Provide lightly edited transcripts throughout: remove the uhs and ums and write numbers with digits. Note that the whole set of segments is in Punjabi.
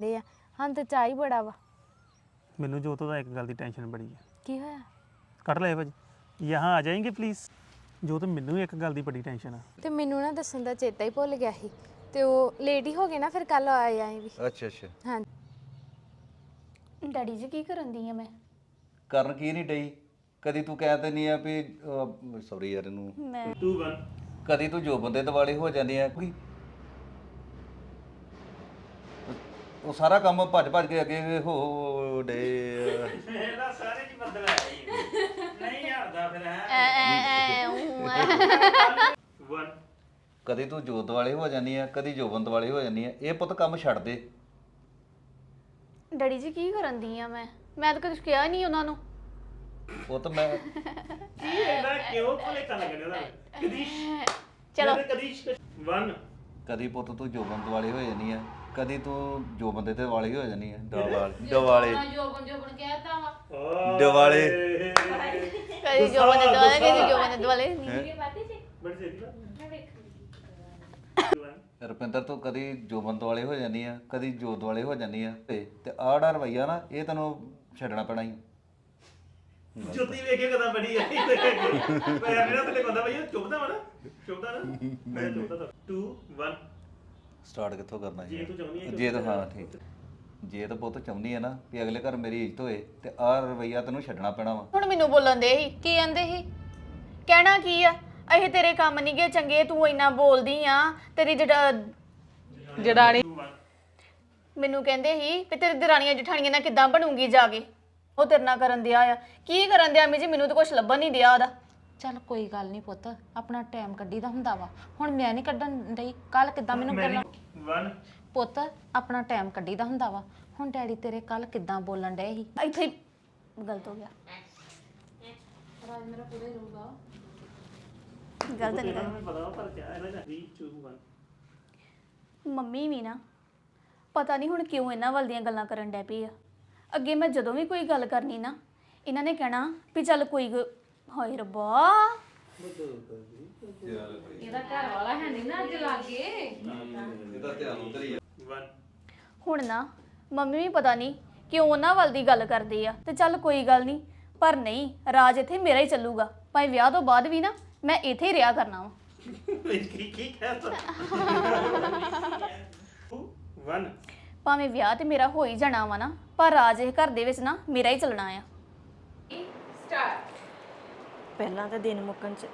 ਦੇ ਆ ਹਾਂ ਤੇ ਚਾਹ ਹੀ ਬੜਾ ਵਾ ਮੈਨੂੰ ਜੋਤ ਦਾ ਇੱਕ ਗੱਲ ਦੀ ਟੈਨਸ਼ਨ ਬੜੀ ਹੈ ਕੀ ਹੋਇਆ ਕੱਢ ਲੈ ਭਾਜੀ ਯਹਾਂ ਆ ਜਾਏਂਗੇ ਪਲੀਜ਼ ਜੋਤ ਮੈਨੂੰ ਇੱਕ ਗੱਲ ਦੀ ਬੜੀ ਟੈਨਸ਼ਨ ਆ ਤੇ ਮੈਨੂੰ ਨਾ ਦੱਸਣ ਦਾ ਚੇਤਾ ਹੀ ਭੁੱਲ ਗਿਆ ਸੀ ਤੇ ਉਹ ਲੇਟ ਹੀ ਹੋ ਗਏ ਨਾ ਫਿਰ ਕੱਲ ਆਏ ਆਏ ਵੀ ਅੱਛਾ ਅੱਛਾ ਹਾਂ ਡੈਡੀ ਜੀ ਕੀ ਕਰਨ ਦੀ ਆ ਮੈਂ ਕਰਨ ਕੀ ਨਹੀਂ ਡਈ ਕਦੀ ਤੂੰ ਕਹਿ ਦਿੰਦੀ ਆ ਵੀ ਸੌਰੀ ਯਾਰ ਇਹਨੂੰ ਮੈਂ 2 1 ਕਦੀ ਤੂੰ ਜੋ ਬੰਦੇ ਦਿਵਾਲੇ ਹੋ ਜਾਂਦੀ ਆ ਕੋਈ ਉਹ ਸਾਰਾ ਕੰਮ ਭੱਜ ਭੱਜ ਕੇ ਅੱਗੇ ਹੋ ਡੇ ਇਹਦਾ ਸਾਰੇ ਜੀ ਬਦਲ ਆਇਆ ਨਹੀਂ ਹਟਦਾ ਫਿਰ ਹੈ 1 ਕਦੀ ਤੂੰ ਜੋਤ ਵਾਲੇ ਹੋ ਜਾਂਦੀ ਆ ਕਦੀ ਜੋਬਨ ਵਾਲੇ ਹੋ ਜਾਂਦੀ ਆ ਇਹ ਪੁੱਤ ਕੰਮ ਛੱਡ ਦੇ ਡੈਡੀ ਜੀ ਕੀ ਕਰਨ ਦੀ ਆ ਮੈਂ ਤਾਂ ਕੁਝ ਕਿਹਾ ਨਹੀਂ ਉਹਨਾਂ ਨੂੰ ਉਹ ਤਾਂ ਮੈਂ ਇਹਦਾ ਕਿਉਂ ਭਲੇ ਕਰ ਲੱਗਦਾ ਇਹਦਾ ਕਦੀਸ਼ ਚਲੋ ਕਦੀਸ਼ 1 ਕਦੀ ਪੁੱਤ ਤੂੰ ਜੋਬਨ ਵਾਲੇ ਹੋ ਜਾਂਦੀ ਆ ਕਦੀ ਤੂੰ ਜੋ ਬੰਦੇ ਤੇ ਵਾਲੇ ਹੋ ਜਾਂਦੀ ਆ ਦਿਵਾਲੇ ਜੋਬਨ ਕਹਿਤਾ ਵਾ ਦਿਵਾਲੇ ਕਦੀ ਜੋਬਨ ਦੇ ਦੁਆਲੇ ਕਦੀ ਜੋਬਨ ਦੇ ਦੁਆਲੇ ਨਹੀਂ ਬੜੀ ਸਹੀ ਰੁਪਿੰਦਰ ਤੂੰ ਕਦੀ ਜੋਬਨ ਵਾਲੇ ਹੋ ਜਾਂਦੀ ਆ ਕਦੀ ਜੋਤ ਵਾਲੇ ਹੋ ਜਾਂਦੀ ਆ ਤੇ ਆੜਾ ਰਵਈਆ ਨਾ ਇਹ ਤੈਨੂੰ ਛੱਡਣਾ ਪੈਣਾ ਹੀ ਜੁੱਤੀ ਵੇਖੇ ਕਦਾਂ ਬੜੀ ਆਈ ਮੈਂ ਮੇਰਾ ਤੇ ਕਹਿੰਦਾ ਭਈ ਚੁੱਪਦਾ ਵਾ ਨਾ ਚੁੱਪਦਾ ਨਾ ਮੈਂ ਚੁੱਪਦਾ 2 1 ਸਟਾਰਟ ਕਿੱਥੋਂ ਕਰਨਾ ਜੇ ਤੂੰ ਚਾਹੁੰਦੀ ਹੈ ਜੇ ਤਾਂ ਹਾਂ ਠੀਕ ਜੇ ਤਾਂ ਪੁੱਤ ਚਾਹੁੰਦੀ ਹੈ ਨਾ ਵੀ ਅਗਲੇ ਘਰ ਮੇਰੀ ਇੱਜ਼ਤ ਹੋਏ ਤੇ ਆਹ ਰਵਈਆ ਤੈਨੂੰ ਛੱਡਣਾ ਪੈਣਾ ਵਾ ਹੁਣ ਮੈਨੂੰ ਬੋਲਣ ਦੇ ਸੀ ਕੀ ਕਹਿੰਦੇ ਸੀ ਕਹਿਣਾ ਕੀ ਆ ਇਹ ਤੇਰੇ ਕੰਮ ਨਹੀਂ ਗਏ ਚੰਗੇ ਤੂੰ ਇੰਨਾ ਬੋਲਦੀ ਆ ਤੇਰੀ ਜੜਾਣੀ ਮੈਨੂੰ ਕਹਿੰਦੇ ਸੀ ਵੀ ਤੇਰੀ ਦਰਾਣੀਆਂ ਜਠਾਣੀਆਂ ਨਾਲ ਕਿੱਦਾਂ ਬਣੂਗੀ ਜਾ ਕੇ ਉਹ ਤੇਰੇ ਨਾਲ ਕਰਨ ਦਿਆ ਆ ਕੀ ਕਰਨ ਦਿਆ ਮੀ ਜੀ ਮੈਨੂੰ ਤਾਂ ਕੁਝ ਲੱਭਣ ਨਹੀਂ ਦਿਆ ਉਹਦਾ ਚੱਲ ਕੋਈ ਗੱਲ ਨਹੀਂ ਪੁੱਤ ਆਪਣਾ ਟਾਈਮ ਕੱਢੀਦਾ ਹੁੰਦਾ ਵਾ ਹੁਣ ਮੈਂ ਨਹੀਂ ਕੱਢਣ ਡਈ ਕੱਲ ਕਿੱਦਾਂ ਮੈਨੂੰ ਬੋਲਣ 1 ਪੁੱਤ ਆਪਣਾ ਟਾਈਮ ਕੱਢੀਦਾ ਹੁੰਦਾ ਵਾ ਹੁਣ ਡੈਡੀ ਤੇਰੇ ਕੱਲ ਕਿੱਦਾਂ ਬੋਲਣ ਡਏ ਸੀ ਇੱਥੇ ਹੀ ਗਲਤ ਹੋ ਗਿਆ ਗਲਤ ਨਹੀਂ ਮੈਨੂੰ ਪਤਾ ਪਰ ਕਿਆ ਇਹਦਾ 3 2 1 ਮੰਮੀ ਵੀ ਨਾ ਪਤਾ ਨਹੀਂ ਹੁਣ ਕਿਉਂ ਇਹਨਾਂ ਵੱਲ ਦੀਆਂ ਗੱਲਾਂ ਕਰਨ ਡੈ ਪਈ ਆ ਅੱਗੇ ਮੈਂ ਜਦੋਂ ਵੀ ਕੋਈ ਗੱਲ ਕਰਨੀ ਨਾ ਇਹਨਾਂ ਨੇ ਕਹਿਣਾ ਵੀ ਚੱਲ ਕੋਈ ਹਾਏ ਰੱਬਾ ਇਹਦਾ ਘਰ ਵਾਲਾ ਹੈ ਨਹੀਂ ਨਾ ਅੱਜ ਲਾਗੇ ਇਹਦਾ ਧਿਆਨ ਉਧਰ ਹੀ 1 ਹੁਣ ਨਾ ਮੰਮੀ ਵੀ ਪਤਾ ਨਹੀਂ ਕਿਉਂ ਉਹਨਾਂ ਵੱਲ ਦੀ ਗੱਲ ਕਰਦੇ ਆ ਤੇ ਚੱਲ ਕੋਈ ਗੱਲ ਨਹੀਂ ਪਰ ਨਹੀਂ ਰਾਜ ਇੱਥੇ ਮੇਰਾ ਹੀ ਚੱਲੂਗਾ ਭਾਵੇਂ ਵਿਆਹ ਤੋਂ ਬਾਅਦ ਵੀ ਨਾ ਮੈਂ ਇੱਥੇ ਹੀ ਰਿਹਾ ਕਰਨਾ ਵਾ ਕੀ ਕਹਿਤਾ 1 ਭਾਵੇਂ ਵਿਆਹ ਤੇ ਮੇਰਾ ਹੋ ਹੀ ਜਾਣਾ ਵਾ ਨਾ ਪਰ ਰਾਜ ਇਹ ਘਰ ਦੇ ਵਿੱਚ ਨਾ ਮੇਰਾ ਹੀ ਚੱਲਣਾ ਆ ਪਹਿਲਾਂ ਤਾਂ ਦਿਨ ਮੁੱਕਣ ਚ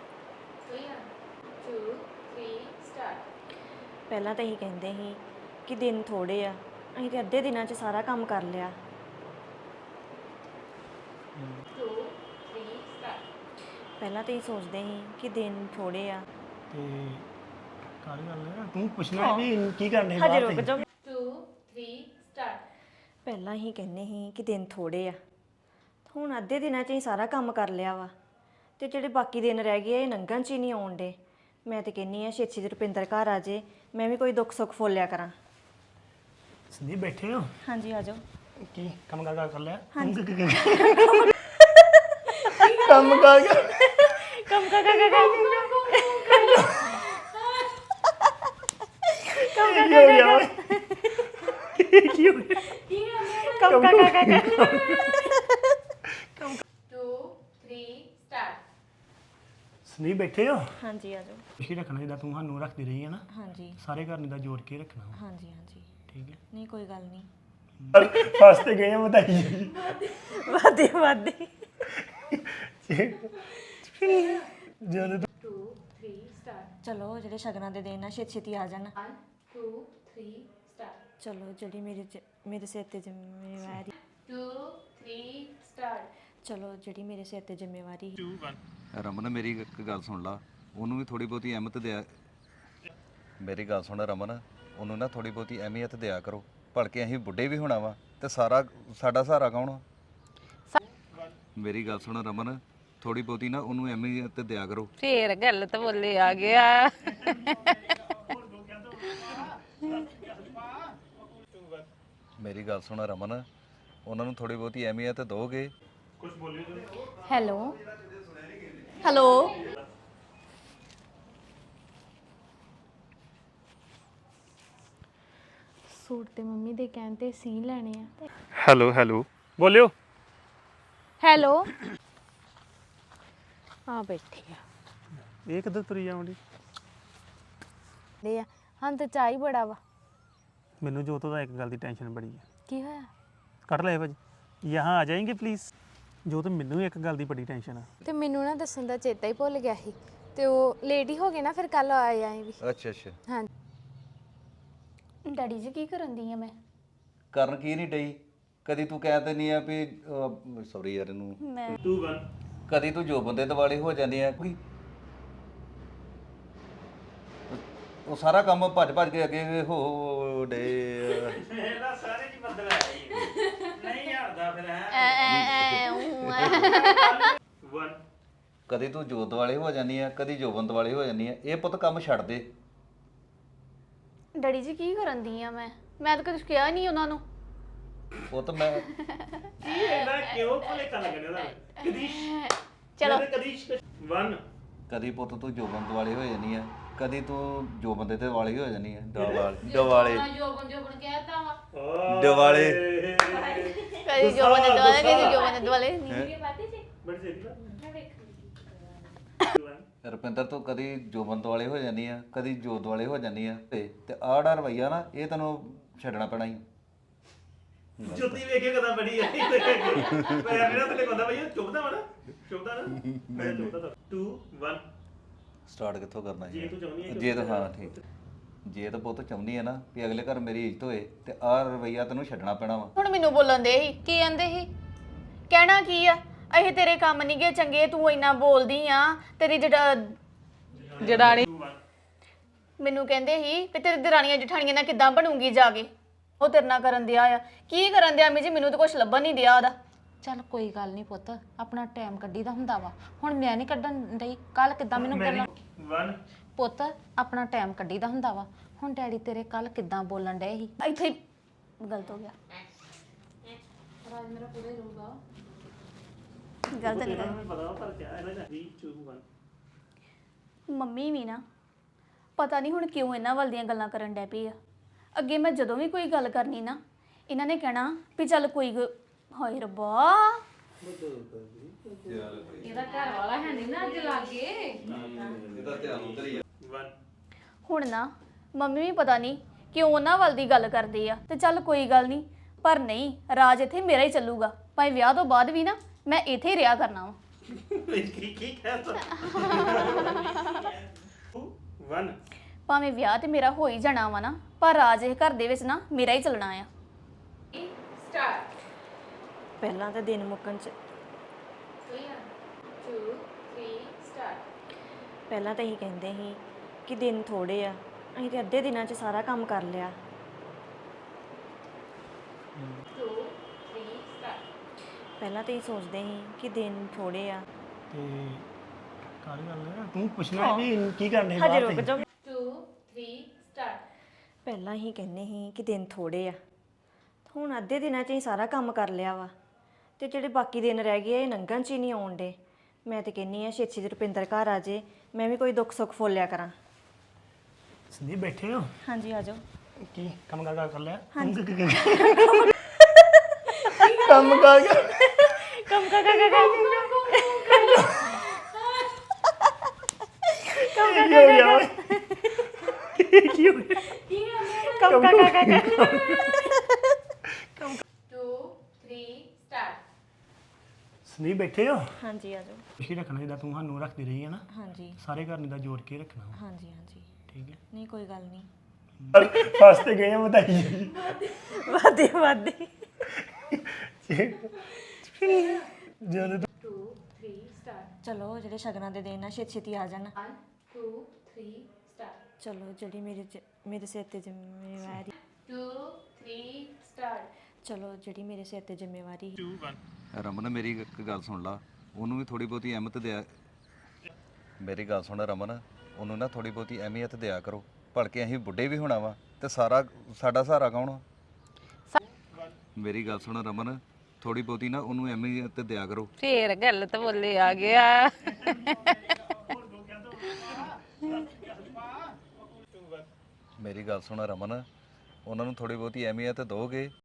ਪਹਿਲਾਂ ਤਾਂ ਇਹੀ ਕਹਿੰਦੇ ਸੀ ਕਿ ਦਿਨ ਥੋੜੇ ਆ ਅਸੀਂ ਤੇ ਅੱਧੇ ਦਿਨਾਂ ਚ ਸਾਰਾ ਕੰਮ ਕਰ ਲਿਆ ਪਹਿਲਾਂ ਤਾਂ ਇਹ ਸੋਚਦੇ ਸੀ ਕਿ ਦਿਨ ਥੋੜੇ ਆ ਤੇ ਕਾਲੀ ਗੱਲ ਹੈ ਤੂੰ ਪੁੱਛਣਾ ਵੀ ਕੀ ਕਰਨੇ ਹਜੇ ਰੁਕ ਜਾਓ 2 3 ਸਟਾਰਟ ਪਹਿਲਾਂ ਹੀ ਕਹਿੰਦੇ ਸੀ ਕਿ ਦਿਨ ਥੋੜੇ ਆ ਹੁਣ ਅੱਧੇ ਦਿਨਾਂ 'ਚ ਹੀ ਸਾਰਾ ਕੰਮ ਕਰ ਲਿਆ ਵਾ ਤੇ ਜਿਹੜੇ ਬਾਕੀ ਦਿਨ ਰਹਿ ਗਏ ਇਹ ਲੰਘਣ 'ਚ ਹੀ ਨਹੀਂ ਆਉਣ ਡੇ ਮੈਂ ਤੇ ਕਹਿੰਨੀ ਆ ਛੇਤੀ ਛੇਤੀ ਰੁਪਿੰਦਰ ਘਰ ਆ ਜੇ ਮੈਂ ਵੀ ਕੋਈ ਦੁੱਖ ਸੁੱਖ ਫੋਲਿਆ ਕਰਾਂ ਸੰਦੀਪ ਬੈਠੇ ਹੋ ਹਾਂਜੀ ਆ ਜਾਓ ਕੀ ਕੰਮ ਕਰ ਲਿਆ ਹਾਂਜੀ ਕੰਮ ਕਰ ਕੰਮ ਕਰ ਕੀ ਹੋ ਗਿਆ ਕੰਮ ਕਰ 2 3 ਸਟਾਰਟ ਸੰਦੀਪ ਬੈਠੇ ਹੋ ਹਾਂਜੀ ਆ ਜਾਓ ਖੁਸ਼ੀ ਰੱਖਣਾ ਜਿੱਦਾਂ ਤੂੰ ਸਾਨੂੰ ਰੱਖਦੀ ਰਹੀ ਹੈ ਨਾ ਹਾਂਜੀ ਸਾਰੇ ਘਰ ਨੇ ਦਾ ਜੋੜ ਕੇ ਰੱਖਣਾ ਵਾ, ਹਾਂਜੀ ਹਾਂਜੀ ਠੀਕ ਹੈ ਨਹੀਂ ਕੋਈ ਗੱਲ ਨਹੀਂ ਫਸਟ ਗਏ ਆ ਬਤਾਈ ਜੀ ਵਾਦੇ ਵਾਦੇ ਜਦੋਂ 2 3 ਸਟਾਰਟ ਚਲੋ ਜਿਹੜੇ ਸ਼ਗਨਾਂ ਦੇ ਦਿਨ ਆ ਛੇਤੀ ਛੇਤੀ ਆ ਜਾਣ 1 2 3 ਸਟਾਰਟ ਚਲੋ ਜਿਹੜੀ ਮੇਰੇ ਸਿਰ ਤੇ ਜ਼ਿੰਮੇਵਾਰੀ 2 3 ਸਟਾਰਟ ਚਲੋ ਜਿਹੜੀ ਮੇਰੇ ਸਿਰ ਤੇ ਜ਼ਿੰਮੇਵਾਰੀ 2 1 ਰਮਨ ਮੇਰੀ ਇੱਕ ਗੱਲ ਸੁਣ ਲਾ ਉਹਨੂੰ ਵੀ ਥੋੜੀ ਬਹੁਤੀ ਅਹਿਮੀਅਤ ਦਿਆ ਮੇਰੀ ਗੱਲ ਸੁਣ ਰਮਨ ਉਹਨੂੰ ਨਾ ਥੋੜੀ ਬਹੁਤੀ ਅਹਿਮੀਅਤ ਦਿਆ ਕਰੋ ਭਲਕੇ ਅਸੀਂ ਬੁੱਢੇ ਵੀ ਹੋਣਾ ਵਾ ਤੇ ਸਾਡਾ ਸਹਾਰਾ ਕੌਣ ਆ? ਮੇਰੀ ਗੱਲ ਸੁਣ ਰਮਨ ਥੋੜੀ ਬਹੁਤੀ ਨਾ ਉਹਨੂੰ ਅਹਿਮੀਅਤ ਦਿਆ ਕਰੋ ਫੇਰ ਗਲਤ ਬੋਲੇ ਆ ਗਿਆ ਮੇਰੀ ਗੱਲ ਸੁਣ ਰਮਨ ਉਹਨਾਂ ਨੂੰ ਥੋੜੀ ਬਹੁਤੀ ਅਹਿਮੀਅਤ ਦੋਗੇ ਹੈਲੋ ਹੈਲੋ ਸੂਟ ਤੇ ਮੰਮੀ ਦੇ ਕਹਿਣ ਤੇ ਸੀ ਲੈਣੇ ਆ। ਹੈਲੋ ਹੈਲੋ ਬੋਲਿਓ ਹੈਲੋ ਆ ਬੈਠੀ ਆ ਇਹ ਕਿੱਧਰ ਤੁਰੀ ਜਾਉਂਦੀ ਦੇ ਆ ਹਾਂ ਤੇ ਚਾਹ ਹੀ ਬੜਾ ਵਾ। ਮੈਨੂੰ ਜੋਤੋ ਦਾ ਇੱਕ ਗੱਲ ਦੀ ਟੈਨਸ਼ਨ ਬੜੀ ਹੈ ਕੀ ਹੋਇਆ? ਕੱਢ ਲੈ ਭਾਜੀ ਯਹਾਂ ਆ ਜਾਏਂਗੇ ਪਲੀਜ਼ ਜੋਤ ਮੈਨੂੰ ਇੱਕ ਗੱਲ ਦੀ ਬੜੀ ਟੈਨਸ਼ਨ ਹੈ ਤੇ ਮੈਨੂੰ ਨਾ ਦੱਸਣ ਦਾ ਚੇਤਾ ਹੀ ਭੁੱਲ ਗਿਆ ਸੀ ਤੇ ਉਹ ਲੇਟ ਹੀ ਹੋ ਗਏ ਨਾ ਫਿਰ ਕੱਲ ਆਏ ਆਏ ਵੀ ਅੱਛਾ ਅੱਛਾ ਹਾਂ ਡੈਡੀ ਜੀ ਕੀ ਕਰਨ ਦੀ ਆ ਮੈਂ? ਕਰਨ ਕੀ ਨਹੀਂ ਡਈ ਕਦੀ ਤੂੰ ਕਹਿ ਦਿੰਦੀ ਆ ਵੀ ਸੌਰੀ ਯਾਰ ਇਹਨੂੰ ਮੈਂ 2 1 ਕਦੀ ਤੂੰ ਜੋ ਬੰਦੇ ਦਿਵਾਲੇ ਹੋ ਜਾਂਦੀ ਆ ਕੋਈ ਉਹ ਸਾਰਾ ਕੰਮ ਭੱਜ ਭੱਜ ਕੇ ਅੱਗੇ ਹੋ ਡੇ ਇਹਦਾ ਸਾਰੇ ਜੀ ਬੱਦਲ ਆਇਆ ਨਹੀਂ ਹਟਦਾ ਫਿਰ ਹੈ 1 ਕਦੀ ਤੂੰ ਜੋਤ ਵਾਲੇ ਹੋ ਜਾਂਦੀ ਆ ਕਦੀ ਜੋਬਨ ਵਾਲੇ ਹੋ ਜਾਂਦੀ ਆ ਇਹ ਪੁੱਤ ਕੰਮ ਛੱਡ ਦੇ ਡੈਡੀ ਜੀ ਕੀ ਕਰਨ ਦੀ ਆ ਮੈਂ ਤਾਂ ਕੁਝ ਕਿਹਾ ਨਹੀਂ ਉਹਨਾਂ ਨੂੰ। ਉਹ ਤਾਂ ਮੈਂ ਇਹਦਾ ਕਿਉਂ ਭਲੇ ਕਰ ਲੱਗਣੇ ਦਾ ਕਦੀਸ਼ ਚਲੋ ਕਦੀਸ਼ 1 ਕਦੀ ਪੁੱਤ ਤੂੰ ਜੋਬਨ ਵਾਲੇ ਹੋ ਜਾਂਦੀ ਆ ਕਦੀ ਤੂੰ ਜੋ ਬੰਦੇ ਤੇ ਵਾਲੇ ਹੋ ਜਾਂਦੀ ਆ ਦਿਵਾਲੇ ਜੋਬਨ ਕਹਿਤਾ ਵਾ ਦਿਵਾਲੇ ਕਦੀ ਜੋ ਬੰਦੇ ਦੁਆਲੇ ਕਦੀ ਜੋ ਬੰਦੇ ਦੁਆਲੇ ਨਹੀਂ ਬੜੀ ਸਹੀ ਨਾ ਰੁਪਿੰਦਰ ਤੂੰ ਕਦੀ ਜੋਬਨ ਵਾਲੇ ਹੋ ਜਾਂਦੀ ਆ ਕਦੀ ਜੋਤ ਵਾਲੇ ਹੋ ਜਾਂਦੀ ਆ ਤੇ ਆੜਾ ਰਵਈਆ ਨਾ ਇਹ ਤੈਨੂੰ ਛੱਡਣਾ ਪੈਣਾ ਹੀ ਜੁੱਤੀ ਵੇਖੇ ਕਦਾਂ ਬੜੀ ਆਈ ਮੈਂ ਮੇਰਾ ਤੇ ਕਹਿੰਦਾ ਭਈ ਚੁੱਪਦਾ ਵਾ ਨਾ ਚੁੱਪਦਾ ਨਾ ਮੈਂ ਚੁੱਪਦਾ 2 1 ਸਟਾਰਟ ਕਿੱਥੋਂ ਕਰਨਾ ਜੇ ਤੂੰ ਚਾਹੁੰਦੀ ਹੈ ਜੇ ਤਾਂ ਹਾਂ ਠੀਕ ਜੇ ਤਾਂ ਪੁੱਤ ਚਾਹੁੰਦੀ ਆ ਨਾ ਵੀ ਅਗਲੇ ਘਰ ਮੇਰੀ ਇੱਜ਼ਤ ਹੋਏ ਤੇ ਆਹ ਰਵਈਆ ਤੈਨੂੰ ਛੱਡਣਾ ਪੈਣਾ ਵਾ ਹੁਣ ਮੈਨੂੰ ਬੋਲਣ ਦੇ ਸੀ। ਕੀ ਕਹਿੰਦੇ ਸੀ? ਕਹਿਣਾ ਕੀ ਆ ਇਹ ਤੇਰੇ ਕੰਮ ਨਹੀਂ ਗਏ ਚੰਗੇ ਤੂੰ ਇੰਨਾ ਬੋਲਦੀ ਆ ਤੇਰੀ ਜੜਾਣੀ ਮੈਨੂੰ ਕਹਿੰਦੇ ਸੀ ਵੀ ਤੇਰੀ ਦਰਾਣੀਆਂ ਜਠਾਣੀਆਂ ਨਾਲ ਕਿੱਦਾਂ ਬਣੂਗੀ ਜਾ ਕੇ ਉਹ ਤੇਰੇ ਨਾਲ ਕਰਨ ਦਿਆ ਆ ਕੀ ਕਰਨ ਦਿਆ ਮੀ ਜੀ ਮੈਨੂੰ ਤਾਂ ਕੁਝ ਲੱਭਣ ਨਹੀਂ ਦਿਆ ਉਹਦਾ। ਚੱਲ ਕੋਈ ਗੱਲ ਨਹੀਂ ਪੁੱਤ ਆਪਣਾ ਟਾਈਮ ਕੱਢੀਦਾ ਹੁੰਦਾ ਵਾ ਹੁਣ ਮੈਂ ਨਹੀਂ ਕੱਢਣ ਡਈ ਕੱਲ ਕਿੱਦਾਂ ਮੈਨੂੰ ਬੋਲਣ 1 ਪੁੱਤ ਆਪਣਾ ਟਾਈਮ ਕੱਢੀਦਾ ਹੁੰਦਾ ਵਾ ਹੁਣ ਡੈਡੀ ਤੇਰੇ ਕੱਲ ਕਿੱਦਾਂ ਬੋਲਣ ਡਏ ਸੀ ਇੱਥੇ ਹੀ ਗਲਤ ਹੋ ਗਿਆ ਗਲਤ ਨਹੀਂ ਕਰ ਮੈਨੂੰ ਪਤਾ ਪਰ ਕਿਆ ਹੈ ਨਾ 3 2 1 ਮੰਮੀ ਵੀ ਨਾ ਪਤਾ ਨਹੀਂ ਹੁਣ ਕਿਉਂ ਇਹਨਾਂ ਵੱਲ ਦੀਆਂ ਗੱਲਾਂ ਕਰਨ ਡੈ ਪਈ ਆ। ਅੱਗੇ ਮੈਂ ਜਦੋਂ ਵੀ ਕੋਈ ਗੱਲ ਕਰਨੀ ਨਾ ਇਹਨਾਂ ਨੇ ਕਹਿਣਾ ਵੀ ਚੱਲ ਕੋਈ ਹਾਏ ਰੱਬਾ ਇਹਦਾ ਘਰ ਵਾਲਾ ਹੈ ਨਹੀਂ ਨਾ ਅੱਜ ਲਾਗੇ ਇਹਦਾ ਧਿਆਨ ਉਧਰ ਹੀ ਆ 1 ਹੁਣ ਨਾ ਮੰਮੀ ਵੀ ਪਤਾ ਨਹੀਂ ਕਿਉਂ ਉਹਨਾਂ ਵੱਲ ਦੀ ਗੱਲ ਕਰਦੇ ਆ ਤੇ ਚੱਲ ਕੋਈ ਗੱਲ ਨਹੀਂ ਪਰ ਨਹੀਂ ਰਾਜ ਇੱਥੇ ਮੇਰਾ ਹੀ ਚੱਲੂਗਾ ਭਾਵੇਂ ਵਿਆਹ ਤੋਂ ਬਾਅਦ ਵੀ ਨਾ ਮੈਂ ਇੱਥੇ ਹੀ ਰਿਹਾ ਕਰਨਾ ਵਾ। ਕੀ ਕਹਿਤਾ 1 ਭਾਵੇਂ ਵਿਆਹ ਤੇ ਮੇਰਾ ਹੋ ਹੀ ਜਾਣਾ ਵਾ ਨਾ ਪਰ ਰਾਜ ਇਹ ਘਰ ਦੇ ਵਿੱਚ ਨਾ ਮੇਰਾ ਹੀ ਚੱਲਣਾ ਆ। ਪਹਿਲਾਂ ਤਾਂ ਦਿਨ ਮੁੱਕਣ ਚ ਪਹਿਲਾਂ ਤਾਂ ਇਹੀ ਕਹਿੰਦੇ ਸੀ ਕਿ ਦਿਨ ਥੋੜੇ ਆ ਅਸੀਂ ਤੇ ਅੱਧੇ ਦਿਨਾਂ 'ਚ ਸਾਰਾ ਕੰਮ ਕਰ ਲਿਆ। ਪਹਿਲਾਂ ਤਾਂ ਇਹ ਸੋਚਦੇ ਸੀ ਕਿ ਦਿਨ ਥੋੜੇ ਆ ਤੇ ਕਾਲੀ ਗੱਲ ਹੈ ਤੂੰ ਪੁੱਛਣਾ ਵੀ ਕੀ ਕਰਨੇ ਹਜੇ ਰੁਕ ਜਾਓ 2 3 ਸਟਾਰਟ ਪਹਿਲਾਂ ਹੀ ਕਹਿੰਦੇ ਸੀ ਕਿ ਦਿਨ ਥੋੜੇ ਆ ਹੁਣ ਅੱਧੇ ਦਿਨਾਂ 'ਚ ਹੀ ਸਾਰਾ ਕੰਮ ਕਰ ਲਿਆ ਵਾ ਤੇ ਜਿਹੜੇ ਬਾਕੀ ਦਿਨ ਰਹਿ ਗਏ ਇਹ ਲੰਘਣ 'ਚ ਹੀ ਨਹੀਂ ਆਉਣ ਡੇ। ਮੈਂ ਤੇ ਕਹਿੰਨੀ ਆ ਛੇਤੀ ਛੇਤੀ ਰੁਪਿੰਦਰ ਘਰ ਆ ਜੇ ਮੈਂ ਵੀ ਕੋਈ ਦੁੱਖ ਸੁੱਖ ਫੋਲਿਆ ਕਰਾਂ। ਸੰਦੀਪ ਬੈਠੇ ਹੋ ਹਾਂਜੀ ਆ ਜਾਓ। ਕੀ ਕੰਮ ਕਰ ਲਿਆ ਹਾਂਜੀ। ਕੰਮ ਕਰ ਕੰਮ ਕਰ ਕੀ ਹੋ ਗਿਆ 2 3 ਸਟਾਰਟ ਸੰਦੀਪ ਬੈਠੇ ਹੋ ਹਾਂਜੀ ਆ ਜਾਓ। ਖੁਸ਼ੀ ਰੱਖਣਾ ਜਿੱਦਾਂ ਤੂੰ ਸਾਨੂੰ ਰੱਖਦੀ ਰਹੀ ਹੈ ਨਾ ਹਾਂਜੀ ਸਾਰੇ ਘਰ ਨੇ ਦਾ ਜੋੜ ਕੇ ਰੱਖਣਾ ਵਾ, ਹਾਂਜੀ ਹਾਂਜੀ ਠੀਕ ਹੈ ਨਹੀਂ ਕੋਈ ਗੱਲ ਨਹੀਂ। ਫਸ ਤੇ ਗਏ ਆ ਬਤਾਈ ਜੀ ਵਾਦੇ ਵਾਦੇ ਜਦੋਂ 2 3 ਸਟਾਰਟ ਚਲੋ ਜਿਹੜੇ ਸ਼ਗਨਾਂ ਦੇ ਦਿਨ ਆ ਛੇਤੀ ਛੇਤੀ ਆ ਜਾਣ। 1 2 3 ਸਟਾਰਟ ਚਲੋ ਜਿਹੜੀ ਮੇਰੇ ਸਿਰ ਤੇ ਜ਼ਿੰਮੇਵਾਰੀ 2 3 ਸਟਾਰਟ ਚਲੋ ਜਿਹੜੀ ਮੇਰੇ ਸਿਰ ਤੇ ਜ਼ਿੰਮੇਵਾਰੀ 2 1 ਰਮਨ ਮੇਰੀ ਇੱਕ ਗੱਲ ਸੁਣ ਲਾ ਉਹਨੂੰ ਵੀ ਥੋੜੀ ਬਹੁਤੀ ਅਹਿਮਤ ਦਿਆ ਮੇਰੀ ਗੱਲ ਸੁਣ ਰਮਨ ਉਹਨੂੰ ਨਾ ਥੋੜੀ ਬਹੁਤੀ ਅਹਿਮੀਅਤ ਦਿਆ ਕਰੋ ਭਲਕੇ ਅਸੀਂ ਬੁੱਢੇ ਵੀ ਹੋਣਾ ਵਾ ਤੇ ਸਾਡਾ ਸਹਾਰਾ ਕੌਣ ਆ? ਮੇਰੀ ਗੱਲ ਸੁਣ ਰਮਨ ਥੋੜੀ ਬਹੁਤੀ ਨਾ ਉਹਨੂੰ ਅਹਿਮੀਅਤ ਦਿਆ ਕਰੋ। ਫੇਰ ਗਲਤ ਬੋਲੇ ਆ ਗਿਆ ਮੇਰੀ ਗੱਲ ਸੁਣ ਰਮਨ ਉਹਨਾਂ ਨੂੰ ਥੋੜੀ ਬਹੁਤੀ ਅਹਿਮੀਅਤ ਦੋਗੇ